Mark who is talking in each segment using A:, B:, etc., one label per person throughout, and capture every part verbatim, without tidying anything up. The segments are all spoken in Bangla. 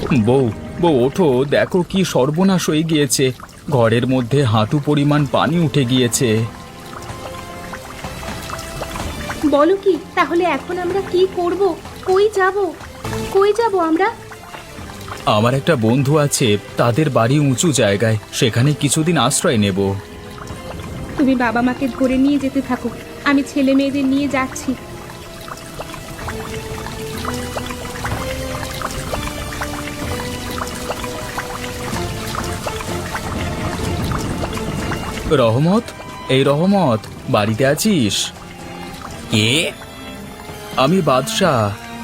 A: বউ, বউ ওঠো, দেখো কি সর্বনাশ হয়ে গিয়েছে। ঘরের মধ্যে হাঁটু পরিমাণ পানি উঠে গিয়েছে।
B: বলো কি? তাহলে এখন আমরা কি করব? কই যাব? কই যাব আমরা?
A: আমার একটা বন্ধু আছে, তাদের বাড়ি উঁচু জায়গায়, সেখানে কিছুদিন আশ্রয় নেব।
B: তুমি বাবা মাকে ধরে নিয়ে যেতে থাকো, আমি ছেলে মেয়েদের নিয়ে যাচ্ছি।
A: রহমত, এই রহমত, বাড়িতে আছিস? কে? আমি বাদশাহ।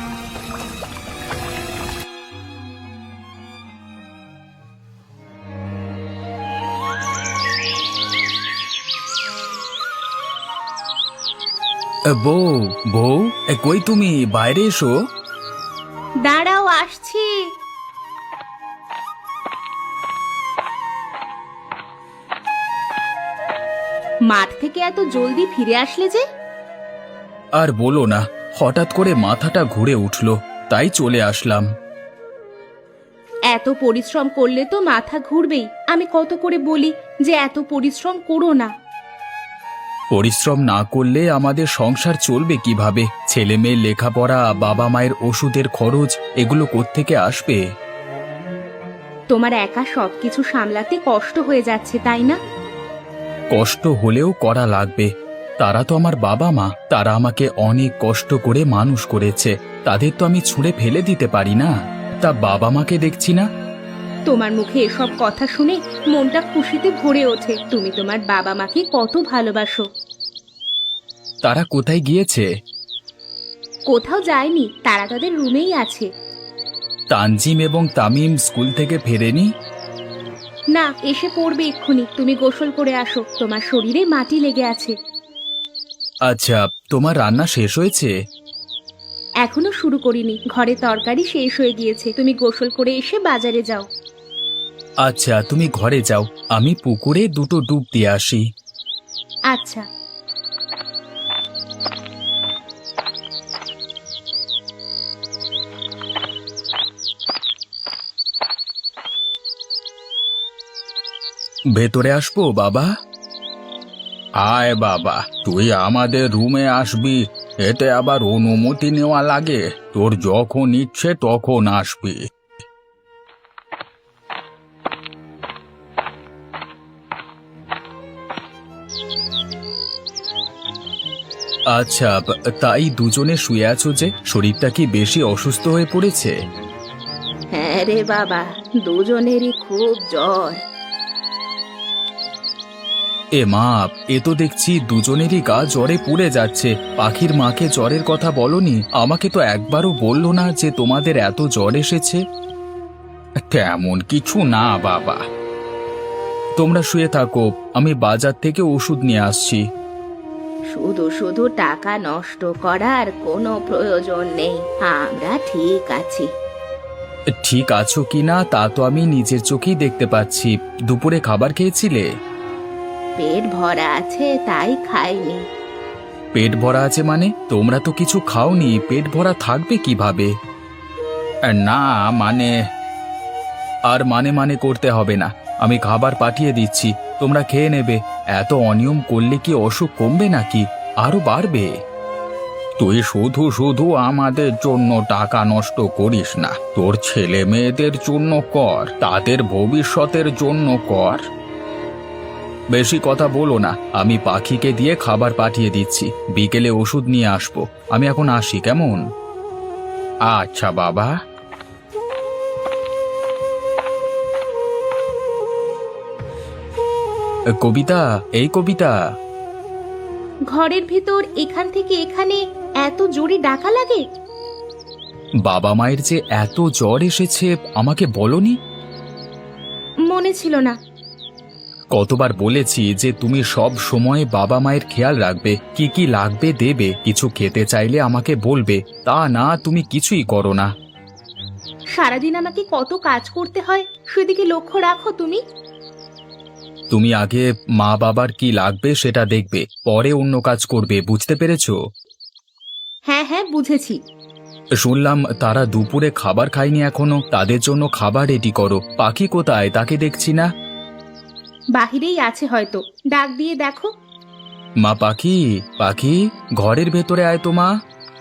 A: বউ, বউ, এ, কই তুমি? বাইরে এসো।
B: দাঁড়াও, আসছি। মাঠ থেকে এত জলদি ফিরে আসলে যে?
A: আর বলো না, হঠাৎ করে মাথাটা ঘুরে উঠল, তাই চলে আসলাম।
B: এত পরিশ্রম করলে তো মাথা ঘুরবেই। আমি কত করে বলি যে এত পরিশ্রম করো না।
A: পরিশ্রম না করলে আমাদের সংসার চলবে কিভাবে? ছেলে মেয়ের লেখাপড়া, বাবা মায়ের ওষুধের খরচ, এগুলো কোত্থেকে আসবে?
B: তোমার একা সবকিছু সামলাতে কষ্ট হয়ে যাচ্ছে, তাই না?
A: কষ্ট হলেও করা লাগবে। তারা তো আমার বাবা মা, তারা আমাকে অনেক কষ্ট করে মানুষ করেছে, তাদের তো আমি ছুঁড়ে ফেলে দিতে পারি না। তা বাবা মাকে দেখছি না।
B: তোমার মুখে এসব কথা শুনে মনটা খুশিতে ভরে ওঠে। তুমি তোমার বাবা মাকে কত ভালোবাসো।
A: তারা কোথায় গিয়েছে?
B: কোথাও যায়নি, তারা তাদের রুমেই আছে।
A: তানজিম এবং তামিম স্কুল থেকে ফেরেনি?
B: না, এসে পড়বে এক্ষুনি। তুমি গোসল করে আসো, তোমার শরীরে মাটি লেগে আছে।
A: আচ্ছা, তোমার রান্না শেষ হয়েছে?
B: এখনো শুরু করিনি, ঘরে তরকারি শেষ হয়ে গিয়েছে। তুমি গোসল করে এসে বাজারে যাও।
A: আচ্ছা, তুমি ঘরে যাও, আমি পুকুরে দুটো ডুব দিয়ে আসি।
B: আচ্ছা।
A: ভেতরে আসবো বাবা? আয় বাবা, তুই আমাদের রুমে আসবি, এতে আবার অনুমতি নেওয়া লাগে? তোর যখন ইচ্ছে তখন আসবি। আচ্ছা, তাই দুজনে শুয়ে আছো যে? শরীরটা কি বেশি অসুস্থ হয়ে পড়েছে?
B: হ্যাঁ রে বাবা, দুজনেরই খুব জ্বর।
A: এ মা, এ তো দেখছি দুজনেরই গা জ্বরে পুড়ে যাচ্ছে। পাখির মাকে জ্বরের কথা বলনি? আমাকে তো একবারও বললো না যে তোমাদের এত জ্বর এসেছে। তেমন কিছু না বাবা। তোমরা শুয়ে থাকো, আমি বাজার থেকে ওষুধ নিয়ে আসছি।
B: শুধু শুধু টাকা নষ্ট করার কোনো প্রয়োজন নেই, আমরা ঠিক আছি।
A: ঠিক আছো কিনা তা তো আমি নিজের চোখেই দেখতে পাচ্ছি। দুপুরে খাবার খেয়েছিলে?
B: পেট ভরা আছে তাই খাইনি।
A: পেট ভরা আছে মানে? তোমরা তো কিছু খাওনি, পেট ভরা থাকবে কিভাবে? না মানে, আর মানে মানে করতে হবে না, আমি খাবার পাঠিয়ে দিচ্ছি, তোমরা খেয়ে নেবে। এত অনিয়ম করলে কি অসুখ কমবে নাকি, আরো বাড়বে? তুই শুধু শুধু আমাদের জন্য টাকা নষ্ট করিস না, তোর ছেলে মেয়েদের জন্য কর, তাদের ভবিষ্যতের জন্য কর। বেশি কথা বলো না, আমি পাখিকে দিয়ে খাবার পাঠিয়ে দিচ্ছি, বিকেলে ওষুধ নিয়ে আসবো। আমি এখন আসি, কেমন? আচ্ছা বাবা। কবিতা, এই কবিতা।
B: ঘরের ভিতর এখান থেকে এখানে এত জোরে ডাকা লাগে?
A: বাবা মায়ের যে এত জ্বর এসেছে আমাকে বলনি?
B: মনে ছিল না।
A: কতবার বলেছি যে তুমি সব সময় বাবা মায়ের খেয়াল রাখবে, কি কি লাগবে দেবে, কিছু খেতে চাইলে আমাকে বলবে, তা না তুমি কিছুই করো না।
B: সারাদিন আমাকে কত কাজ করতে হয়, সেদিকে লক্ষ্য রাখো তুমি।
A: তুমি আগে মা বাবার কি লাগবে সেটা দেখবে, পরে অন্য কাজ করবে, বুঝতে পেরেছো?
B: হ্যাঁ হ্যাঁ, বুঝেছি।
A: শুনলাম তারা দুপুরে খাবার খায়নি এখনো, তাদের জন্য খাবার রেডি করো। পাখি কোথায়, তাকে দেখছি না।
B: বাহিরেই আছে হয়তো, ডাক দিয়ে দেখো।
A: মা পাখি, পাখি ঘরের ভেতরে আয় তো মা।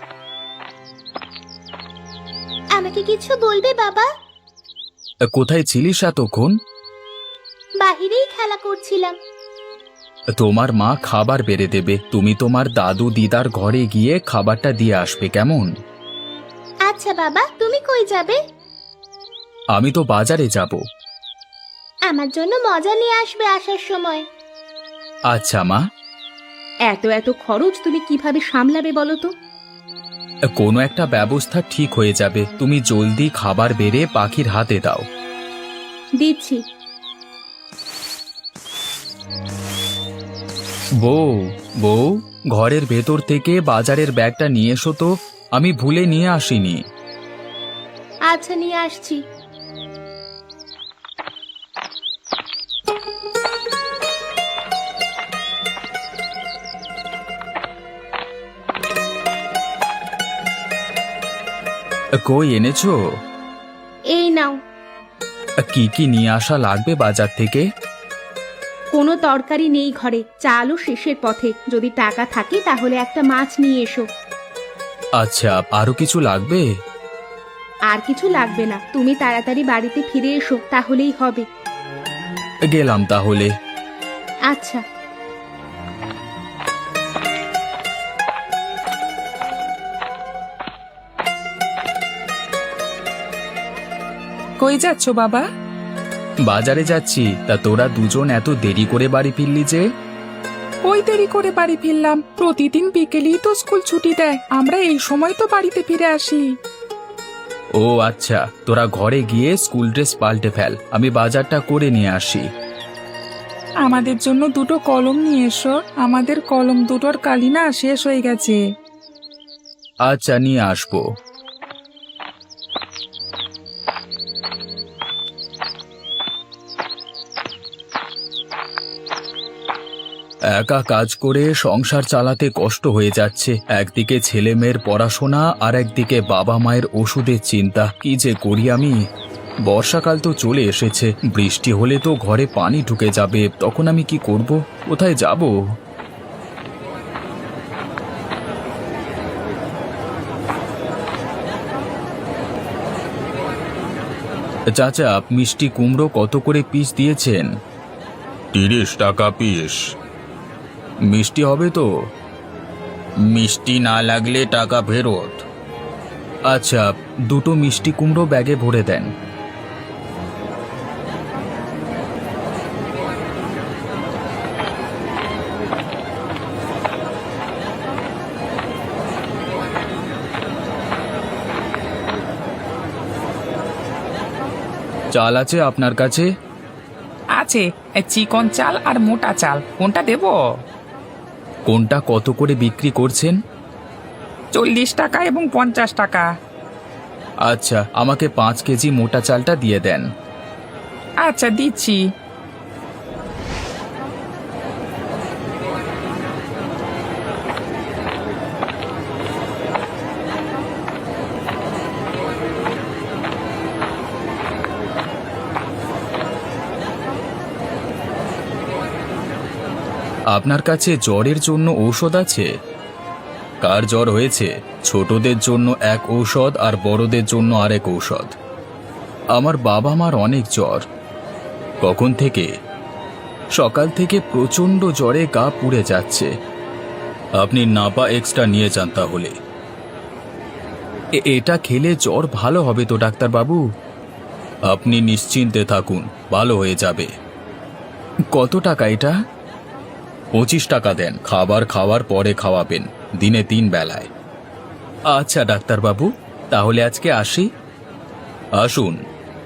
B: আমাকে কিছু বলবে বাবা?
A: কোথায় ছিলিস এতক্ষণ?
B: বাহিরেই খেলা করছিলাম।
A: তোমার মা খাবার বেড়ে দেবে, তুমি তোমার দাদু দিদার ঘরে গিয়ে খাবারটা দিয়ে আসবে, কেমন?
B: আচ্ছা বাবা, তুমি কই যাবে?
A: আমি তো বাজারে যাব।
B: আমার জন্য মজা নিয়ে আসবে আসার সময়।
A: আচ্ছা মা।
B: এত এত খরচ তুমি কিভাবে সামলাবে বলো তো?
A: কোনো একটা ব্যবস্থা ঠিক হয়ে যাবে, তুমি জলদি খাবার বেড়ে পাখির হাতে দাও।
B: দিচ্ছি।
A: বউ, বউ, ঘরের ভেতর থেকে বাজারের ব্যাগটা নিয়ে এসো তো, আমি ভুলে নিয়ে আসিনি।
B: আচ্ছা, নিয়ে আসছি।
A: কই এনেছো?
B: এই নাও।
A: কি কি নিয়ে আসা লাগবে বাজার থেকে?
B: কোনো তরকারি নেই ঘরে, চালও শেষের পথে। যদি টাকা থাকে তাহলে একটা মাছ নিয়ে এসো।
A: আচ্ছা, আরো কিছু লাগবে?
B: আর কিছু লাগবে না, তুমি তাড়াতাড়ি বাড়িতে ফিরে এসো, তাহলেই হবে।
A: গেলাম তাহলে।
B: আচ্ছা।
C: কই যাচ্ছ বাবা?
A: বাজারে যাচ্ছি। তা তোরা দুজন এত দেরি করে বাড়ি ফিরলি যে?
C: ওই দেরি করে বাড়ি ফিরলাম, প্রতিদিন বিকেলেই তো স্কুল ছুটি দেয়, আমরা এই সময় তো বাড়িতে ফিরে আসি।
A: ও আচ্ছা, তোরা ঘরে গিয়ে স্কুল ড্রেস পাল্টে ফেল, আমি বাজারটা করে নিয়ে আসি।
C: আমাদের জন্য দুটো কলম নিয়ে এসো, আমাদের কলম দুটোর কালি না শেষ হয়ে গেছে।
A: আচ্ছা, নিয়ে আসবো। একা কাজ করে সংসার চালাতে কষ্ট হয়ে যাচ্ছে। একদিকে ছেলে মেয়ের পড়াশোনা আর একদিকে বাবা মায়ের ওষুধের চিন্তা। কি যে করি আমি। বর্ষাকাল তো চলে এসেছে, বৃষ্টি হলে তো ঘরে পানি ঢুকে যাবে, তখন আমি কি করব, কোথায় যাব? চাচা, মিষ্টি কুমড়ো কত করে পিস দিয়েছেন?
D: তিরিশ টাকা পিস।
A: মিষ্টি হবে তো?
D: মিষ্টি না লাগলে টাকা ফেরত।
A: আচ্ছা, দুটো মিষ্টি কুমড়ো ব্যাগে ভরে দেন। চাল আছে আপনার কাছে?
C: আছে, চিকন চাল আর মোটা চাল, কোনটা দেব?
A: কোনটা কত করে বিক্রি করছেন?
C: চল্লিশ টাকা এবং পঞ্চাশ টাকা।
A: আচ্ছা, আমাকে পাঁচ কেজি মোটা চালটা দিয়ে দেন।
C: আচ্ছা, দিচ্ছি।
A: আপনার কাছে জ্বরের জন্য ঔষধ আছে? কার জ্বর হয়েছে? ছোটদের জন্য এক ঔষধ আর বড়দের জন্য আরেক ঔষধ। আমার বাবা মার অনেক জ্বর। কখন থেকে? সকাল থেকে প্রচণ্ড জ্বরে গা পুড়ে যাচ্ছে। আপনি নাপা এক্সট্রা নিয়ে যান তাহলে। এ- এটা খেলে জ্বর ভালো হবে তো ডাক্তারবাবু? আপনি নিশ্চিন্তে থাকুন, ভালো হয়ে যাবে। কত টাকা এটা? পঁচিশ টাকা দেন, খাবার খাওয়ার পরে খাওয়াবেন, দিনে তিন বেলায়। আচ্ছা ডাক্তারবাবু, তাহলে আজকে আসি। আসুন।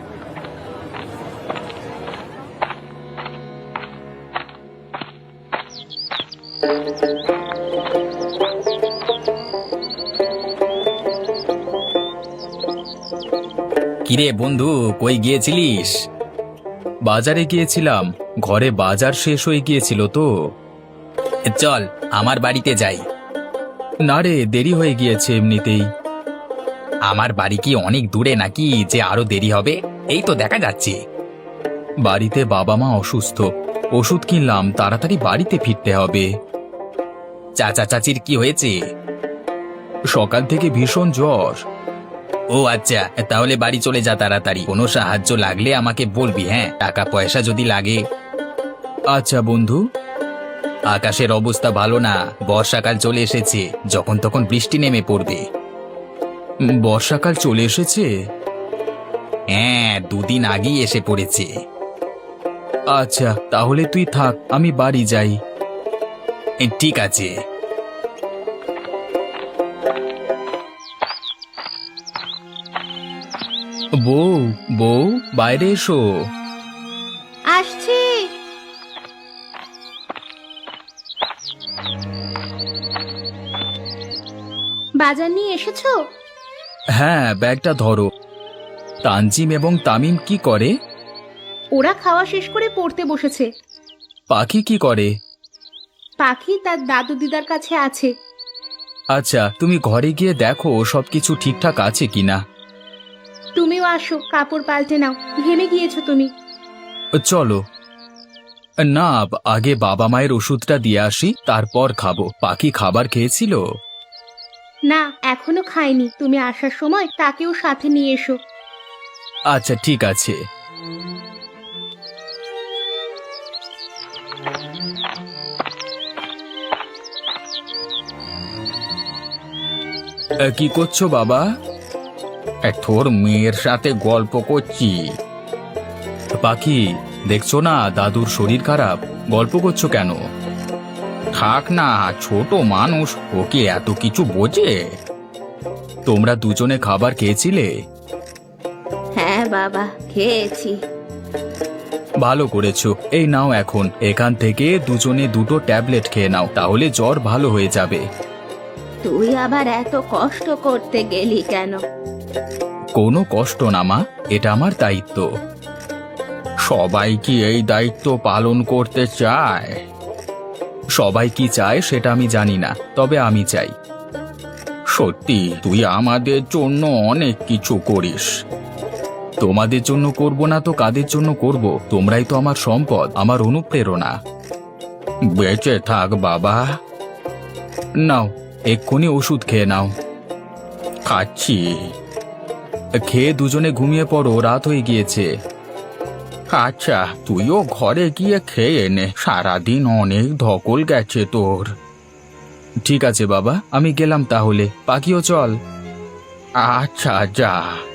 A: কিরে বন্ধু, কই গিয়েছিলিস? বাজারে গিয়েছিলাম, ঘরে বাজার শেষ হয়ে গিয়েছিল তো। চল আমার বাড়িতে যাই। না রে, দেরি হয়ে গিয়েছে এমনিতেই। আমার বাড়ি কি অনেক দূরে নাকি যে আরো দেরি হবে? এই তো দেখা যাচ্ছে। বাড়িতে বাবা মা অসুস্থ, ওষুধ কিনলাম, তাড়াতাড়ি বাড়িতে ফিরতে হবে। চাচা চাচির কি হয়েছে? সকাল থেকে ভীষণ জ্বর। ও আচ্ছা, তাহলে বাড়ি চলে যা তাড়াতাড়ি। কোনো সাহায্য লাগলে আমাকে বলবি, হ্যাঁ? টাকা পয়সা যদি লাগে। আচ্ছা বন্ধু। আকাশের অবস্থা ভালো না, বর্ষাকাল চলে এসেছে, যখন তখন বৃষ্টি নেমে পড়বে। উম, বর্ষাকাল চলে এসেছে? হ্যাঁ, দুদিন আগেই এসে পড়েছে। আচ্ছা, তাহলে তুই থাক, আমি বাড়ি যাই। এ, ঠিক আছে। বউ, বউ, বাইরে এসো।
B: আসছি। বাজার নিয়ে এসেছো?
A: হ্যাঁ, ব্যাগটা ধরো। তানজিম এবং তামিম কি করে?
B: ওরা খাওয়া শেষ করে পড়তে বসেছে।
A: পাখি কি করে?
B: পাখি তার দাদু দিদার কাছে আছে।
A: আচ্ছা, তুমি ঘরে গিয়ে দেখো সবকিছু ঠিকঠাক আছে কিনা।
B: তুমিও আসো, কাপড় পাল্টে নাও, ঘেমে গিয়েছো তুমি।
A: চলো। না, আগে বাবা মায়ের ওষুধটা দিয়ে আসি, তারপর খাবো। পাখি খাবার খেয়েছিল?
B: না, এখনো খাইনি। তুমি আসার সময় তাকেও সাথে নিয়ে এসো।
A: আচ্ছা, ঠিক আছে। এ, কি করছো বাবা? এ, তোর মেয়ের সাথে গল্প করছি। পাখি, দেখছো না দাদুর শরীর খারাপ, গল্প করছো কেন? থাক না, ছোট মানুষ, ওকে এত কিছু বোঝে। তোমরা দুজনে খাবার খেয়েছিলে?
B: হ্যাঁ বাবা, খেয়েছি।
A: ভালো করেছো। এই নাও, এখন এখান থেকে দুজনে দুটো ট্যাবলেট খেয়ে নাও, তাহলে জ্বর ভালো হয়ে যাবে।
B: তুই আবার এত কষ্ট করতে গেলি কেন?
A: কোনো কষ্ট না মা, এটা আমার দায়িত্ব। সবাই কি এই দায়িত্ব পালন করতে চায়? সবাই কি চায় সেটা আমি জানি না, তবে আমি চাই। সত্যি তুই আমাদের জন্য অনেক কিছু করিস। তোমাদের জন্য করব না তো কাদের জন্য করব? তোমরাই তো আমার সম্পদ, আমার অনুপ্রেরণা। বেঁচে থাক বাবা। নাও, এক্ষুনি ওষুধ খেয়ে নাও। খাচ্ছি। খেয়ে দুজনে ঘুমিয়ে পড়ো, রাত হয়ে গিয়েছে। আচ্ছা, তুইও ঘরে গিয়ে খেয়ে নে, সারাদিন অনেক ধকল গেছে তোর। ঠিক আছে বাবা, আমি গেলাম তাহলে। পাখিও চল। আচ্ছা, যা।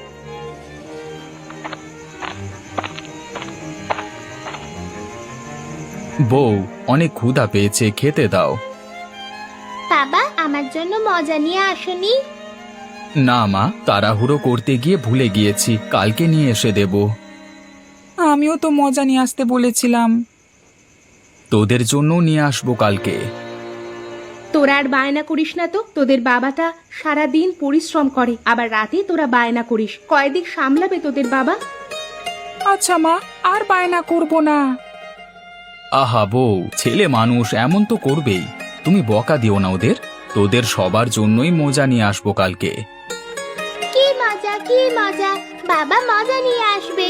A: বউ, অনেক ক্ষুধা পেয়েছে, খেতে দাও।
B: বাবা, আমার জন্য মজা নিয়ে আসনি?
A: না মা, তাড়াহুড়ো করতে গিয়ে ভুলে গিয়েছি, কালকে নিয়ে এসে দেব।
C: আমিও তো মজা নিয়ে আসতে বলেছিলাম।
A: তোদের জন্য নিয়ে আসবো কালকে।
B: তোরা আর বায়না করিস না তো। তোদের বাবাটা সারা দিন পরিশ্রম করে, আবার রাতে তোরা বায়না করিস। কয়দিক সামলাবে তোদের বাবা?
C: আচ্ছা মা, আর বায়না করব না।
A: আহা বউ, ছেলে মানুষ এমন তো করবেই। তুমি বকা দিও না ওদের। তোদের সবার জন্যই মজা নিয়ে আসবো কালকে।
B: কি মজা, কি মজা! বাবা মজা নিয়ে আসবে।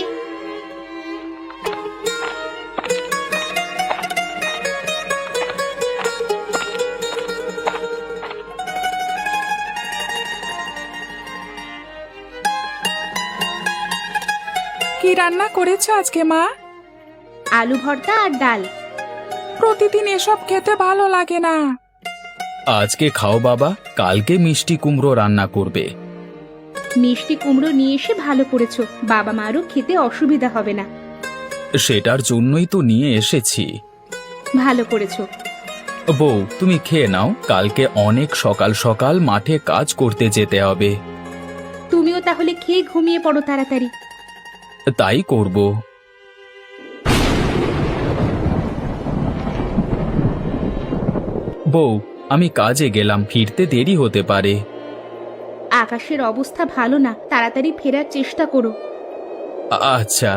C: কি রান্না করেছো আজকে মা?
B: আলু ভর্তা আর ডাল।
C: প্রতিদিন এসব খেতে ভালো লাগে না।
A: আজকে খাও বাবা, কালকে মিষ্টি কুমড়ো রান্না করবে।
B: মিষ্টি কুমড়ো নিয়ে এসে ভালো করেছো, বাবা মারও খেতে অসুবিধা হবে না।
A: সেটার জন্যই তো নিয়ে এসেছি।
B: ভালো করেছো।
A: বউ, তুমি খেয়ে নাও, কালকে অনেক সকাল সকাল মাঠে কাজ করতে যেতে হবে।
B: তুমিও তাহলে খেয়ে ঘুমিয়ে পড়ো তাড়াতাড়ি।
A: তাই করব। বউ, আমি কাজে গেলাম, ফিরতে দেরি হতে পারে।
B: আকাশের অবস্থা ভালো না, তাড়াতাড়ি ফেরার চেষ্টা করো।
A: আ- আচ্ছা।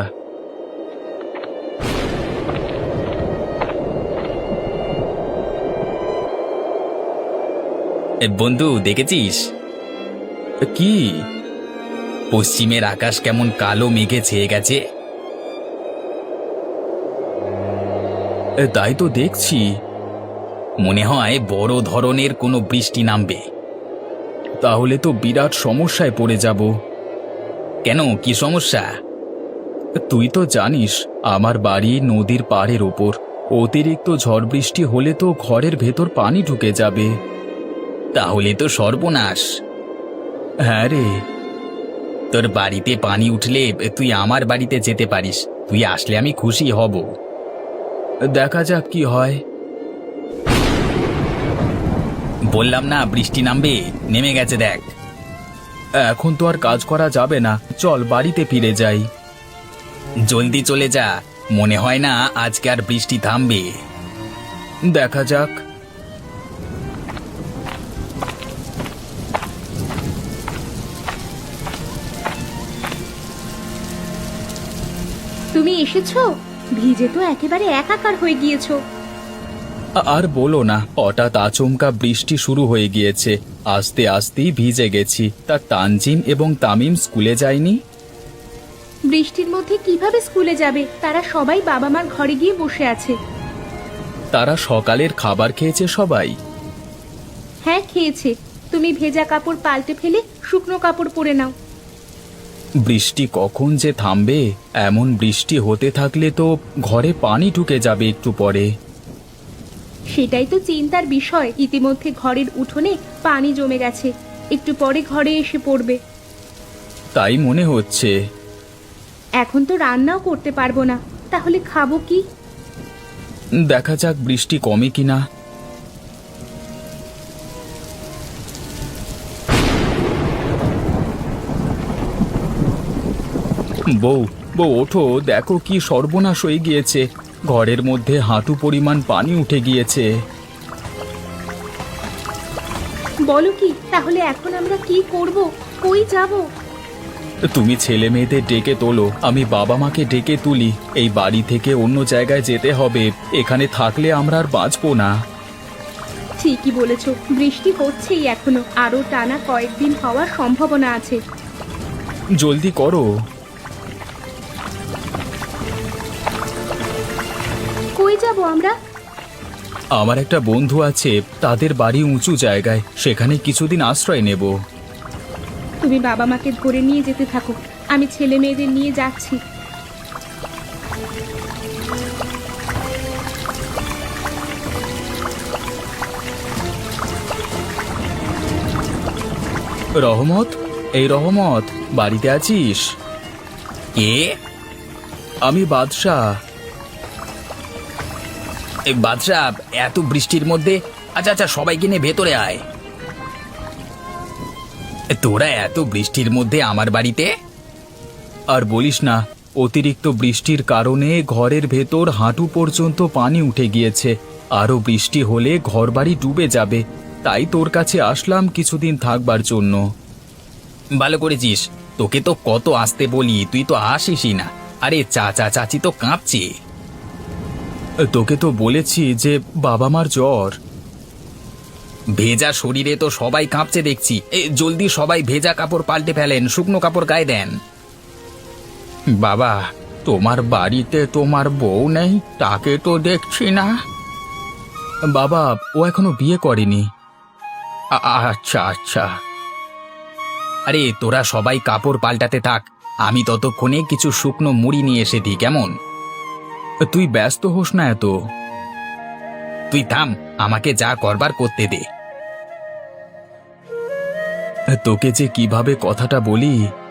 A: এ, বন্ধু দেখেছিস? কি? পশ্চিমের আকাশ কেমন কালো মেঘে ছেয়ে গেছে। এ, তাই তো দেখছি। মনে হয় বড় ধরনের কোনো বৃষ্টি নামবে। তাহলে তো বিরাট সমস্যায় পড়ে যাব। কেন, কি সমস্যা? তুই তো জানিস আমার বাড়ি নদীর পাড়ের ওপর। অতিরিক্ত ঝড় বৃষ্টি হলে তো ঘরের ভেতর পানি ঢুকে যাবে। তাহলে তো সর্বনাশ। হ্যাঁ রে। তোর বাড়িতে পানি উঠলে তুই আমার বাড়িতে যেতে পারিস। তুই আসলে আমি খুশি হব। দেখা যাক কি হয়। বললাম না বৃষ্টি নামবে, নেমে গেছে দেখ। এখন তো আর কাজ করা যাবে না, চল বাড়িতে ফিরে যাই। জলদি চলে যা, মনে হয় না আজকে আর বৃষ্টি থামবে। দেখা যাক।
B: তুমি এসেছো? ভিজে তো একেবারে একাকার হয়ে গিয়েছো।
A: আর বলো না, হঠাৎ আচমকা বৃষ্টি শুরু হয়ে গিয়েছে। আস্তে আস্তেই ভিজে গেছি। তা তানজিম এবং তামিম স্কুলে যায়নি?
B: বৃষ্টির মধ্যে কিভাবে স্কুলে যাবে? তারা সবাই বাবা মার ঘরে গিয়ে বসে আছে।
A: তারা সকালের খাবার খেয়েছে সবাই?
B: হ্যাঁ, খেয়েছে। তুমি ভেজা কাপড় পাল্টে ফেলে শুকনো কাপড় পরে নাও।
A: বৃষ্টি কখন যে থামবে? এমন বৃষ্টি হতে থাকলে তো ঘরে পানি ঢুকে যাবে একটু পরে।
B: সেটাই তো চিন্তার বিষয়। ইতিমধ্যে ঘরের উঠোনে পানি জমে গেছে, একটু পরে ঘরে এসে পড়বে।
A: তাই মনে হচ্ছে।
B: এখন তো রান্নাও করতে পারবো না, তাহলে খাবো কি?
A: দেখা যাক বৃষ্টি কমে কিনা। বউ, বউ ওঠো, দেখো কি সর্বনাশ হয়ে গিয়েছে। ঘরের মধ্যে হাঁটু পরিমাণ পানি উঠে গিয়েছে।
B: বলো কি? তাহলে এখন আমরা কি করব? কই যাব?
A: তুমি ছেলে মেয়েদের ডেকে তোলো, আমি বাবা মাকে ডেকে তুলি। এই বাড়ি থেকে অন্য জায়গায় যেতে হবে, এখানে থাকলে আমরা আর বাঁচবো না।
B: ঠিকই বলেছো, বৃষ্টি হচ্ছেই এখনো, আরো টানা কয়েকদিন হওয়ার সম্ভাবনা আছে।
A: জলদি করো।
B: কই যাব আমরা?
A: আমার একটা বন্ধু আছে, তাদের বাড়ি উঁচু জায়গায়, সেখানে কিছুদিন আশ্রয় নেব।
B: তুমি বাবা মাকে ধরে নিয়ে যেতে থাকো, আমি ছেলে মেয়েদের নিয়ে যাচ্ছি।
A: রহমত, এই রহমত, বাড়িতে আছিস? কে? আমি বাদশাহ। এই বাদশাহ, এত বৃষ্টির মধ্যে? আচ্ছা আচ্ছা, সবাইকে নিয়ে ভেতরে আয়। তোরা এত বৃষ্টির মধ্যে আমার বাড়িতে? আর বলিস না, অতিরিক্ত বৃষ্টির কারণে ঘরের ভেতর হাঁটু পর্যন্ত পানি উঠে গিয়েছে। আরো বৃষ্টি হলে ঘরবাড়ি ডুবে যাবে। তাই তোর কাছে আসলাম কিছুদিন থাকবার জন্য। ভালো করেছিস, তোকে তো কত আসতে বলি, তুই তো আসিসই না। আরে চাচা চাচি তো কাঁপছে। তোকে তো বলেছি যে বাবা মার জ্বর। ভেজা শরীরে তো সবাই কাঁপছে দেখছি। এ জলদি সবাই ভেজা কাপড় পাল্টে ফেলেন, শুকনো কাপড় গায়ে দেন। বাবা, তোমার বাড়িতে তোমার বউ নেই? তাকে তো দেখছি না। বাবা, ও এখনো বিয়ে করেনি। আ- আচ্ছা আচ্ছা। আরে তোরা সবাই কাপড় পাল্টাতে থাক, আমি ততক্ষণে কিছু শুকনো মুড়ি নিয়ে এসে দিই, কেমন? তুই ব্যস্ত হোস না এত। তুই থাম, আমাকে যা করবার করতে দে। তোকে যে কিভাবে কথাটা বলি।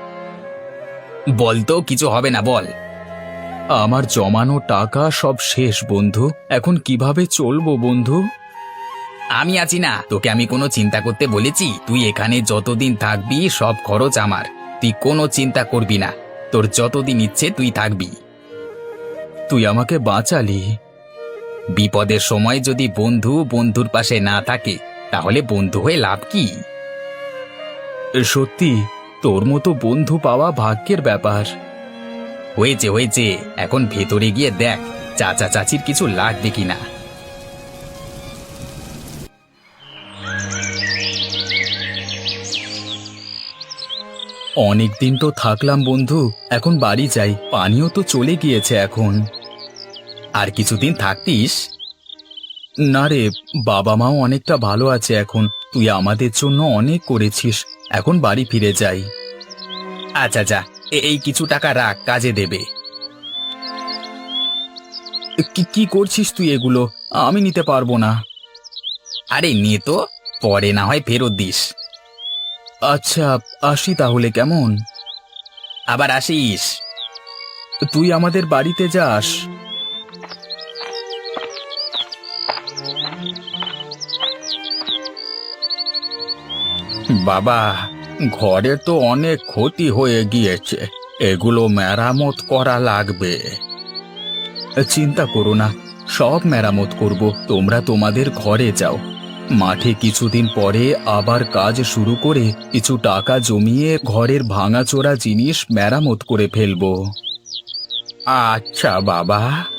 A: বলতো, কিছু হবে না, বল। আমার জমানো টাকা সব শেষ বন্ধু, এখন কিভাবে চলবো বন্ধু? আমি আছি না, তোকে আমি কোনো চিন্তা করতে বলেছি? তুই এখানে যতদিন থাকবি সব খরচ আমার, তুই কোনো চিন্তা করবি না। তোর যতদিন ইচ্ছে তুই থাকবি। তুই আমাকে বাঁচালি। বিপদের সময় যদি বন্ধু বন্ধুর পাশে না থাকে, তাহলে বন্ধু হয়ে লাভ কি? সত্যি, তোর মতো বন্ধু পাওয়া ভাগ্যের ব্যাপার। হয়েছে হয়েছে, এখন ভেতরে গিয়ে দেখ চাচা চাচির কিছু লাগবে কিনা। অনেক দিন তো থাকলাম বন্ধু, এখন বাড়ি যাই, পানিও তো চলে গিয়েছে এখন। আর কিছুদিন থাকতিস? না রে, বাবা মাও অনেকটা ভালো আছে এখন, তুই আমাদের জন্য অনেক করেছিস, এখন বাড়ি ফিরে যাই। আচ্ছা যা, এ- এই কিছু টাকা রাখ, কাজে দেবে। কি কি করছিস তুই এগুলো? আমি নিতে পারবো না। আরে নে তো, পরে না হয় ফেরত দিস। আচ্ছা, আসি তাহলে, কেমন? আবার আসিস। তুই আমাদের বাড়িতে যাস। বাবা, ঘরের তো অনেক ক্ষতি হয়ে গিয়েছে, এগুলো মেরামত করা লাগবে। চিন্তা করো না, সব মেরামত করব, তোমরা তোমাদের ঘরে যাও। মাঠে কিছুদিন পরে আবার কাজ শুরু করে কিছু টাকা জমিয়ে ঘরের ভাঙাচোরা জিনিস মেরামত করে ফেলবো। আচ্ছা বাবা।